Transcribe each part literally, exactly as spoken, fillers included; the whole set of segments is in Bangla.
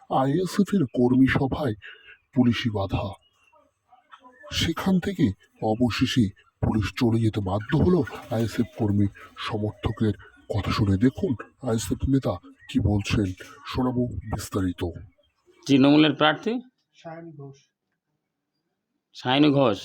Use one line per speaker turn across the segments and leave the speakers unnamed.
আইএসএফ এর কর্মী সভায় পুলিশি বাধা, সেখান থেকে অবশেষে পুলিশ চলে যেতে বাধ্য হলো আইএসএফ কর্মী সমর্থকের। কথা শুনে দেখুন আইএসএফ নেতা কি বলছেন, শোনাবো বিস্তারিত।
তৃণমূলের প্রার্থী
সায়নী ঘোষ
সায়নী ঘোষ,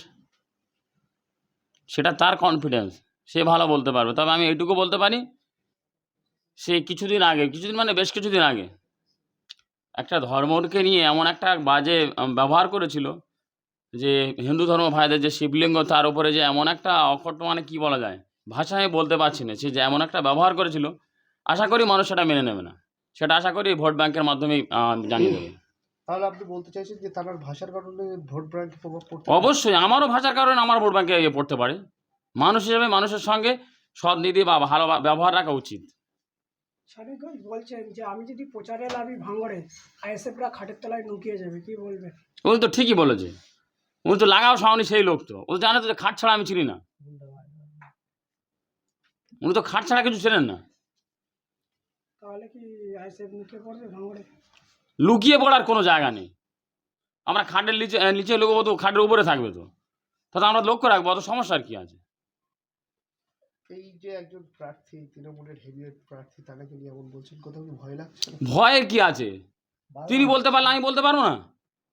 সেটা তার কনফিডেন্স, সে ভালো বলতে পারবে। তবে আমি এইটুকু বলতে পারি, সে কিছুদিন আগে, কিছুদিন মানে বেশ কিছুদিন আগে একটা ধর্মকে নিয়ে এমন একটা বাজে ব্যবহার করেছিল যে হিন্দু ধর্ম ভাইদের যে শিবলিঙ্গ, তার উপরে যে এমন একটা অকট, মানে কি বলা যায়, ভাষা আমি বলতে পারছি না, সে যে এমন একটা ব্যবহার করেছিল, আশা করি মানুষ সেটা মেনে নেবে না। সেটা আশা করি ভোট ব্যাংকের মাধ্যমেই জানিয়ে দেবে।
তাহলে আপনি বলতে চাইছেন যে তার ভাষার কারণে ভোট ব্যাংকে প্রভাব পড়তে?
অবশ্যই, আমারও ভাষার কারণে আমার ভোট ব্যাংকে ইয়ে পড়তে পারে। মানুষ হিসেবে মানুষের সঙ্গে সৎনীতি বা ভালো ব্যবহার রাখা উচিত।
সায়নী ঘোষ বলছেন যে আমি যদি প্রচারে লাভি ভাঙড়ে, আইএসএফরা খাটের তলায় নুকিয়ে যাবে, কি বলবেন?
উনি তো ঠিকই বলেছে, উনি তো লাগাও সাউনি সেই লোক, তো ও জানে তো যে খাট ছাড়া আমি চিনি না। উনি তো খাট ছাড়া কিছু চেনেন না।
তাহলে কি আইএসএফ নুকিয়ে পড়বে ভাঙড়ে?
লুকিয়ে পড়ার কোনো জায়গা নেই। আমরা খাটের নিচে নিচে লুকবো তো খাটের উপরে থাকবে, তো তাতে আমরা লক্ষ্য রাখবো, অত সমস্যার কি আছে?
এই যে একজন প্রার্থী, তৃণমূলের হেভিওয়েট প্রার্থী, তাকে নিয়ে এমন বলছেন, কোথাও কি ভয় লাগছে না?
ভয়ের কি আছে? তিনি বলতে পারলে আমি বলতে পারবো না?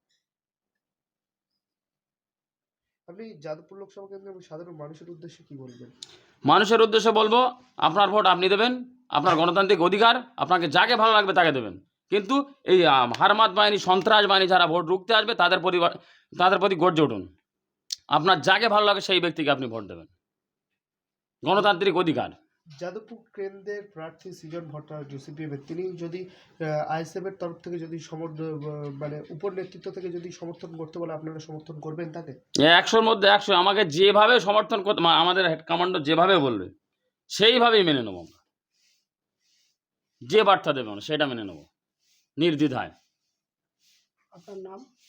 আপনি যাদবপুর লোকসভা কেন্দ্রে সাধারণ মানুষের উদ্দেশ্যে কি বলবেন?
মানুষের উদ্দেশ্যে বলবো, আপনার ভোট আপনি দেবেন, আপনার গণতান্ত্রিক অধিকার, আপনাকে যাকে ভালো লাগবে তাকে দেবেন। কিন্তু এই হারমাত বাহিনী, সন্ত্রাস বাহিনী যারা ভোট রুখতে আসবে, তাদের পরিবার তাদের প্রতি গর্জে উঠুন। আপনার যাকে ভালো লাগে সেই ব্যক্তিকে আপনি ভোট দেবেন, গণতান্ত্রিক অধিকার।
যাদবপুর কেন্দ্রের প্রার্থী সৃজন ভট্টাচার্য সিপিএম এর, তিনি যদি আইএসএফ এর তরফ থেকে যদি সমর্থন, মানে উপর নেতৃত্ব থেকে যদি সমর্থন করতে বলে, আপনারা সমর্থন করবেন তাকে?
একশোর মধ্যে একশো। আমাকে যেভাবে সমর্থন করতে, আমাদের হেড কমান্ডার যেভাবে বলবে সেইভাবেই মেনে নেব আমরা। যে বার্তা দেবে আমরা সেটা মেনে নেব নির্দ্বিধায়।
আপনার নাম?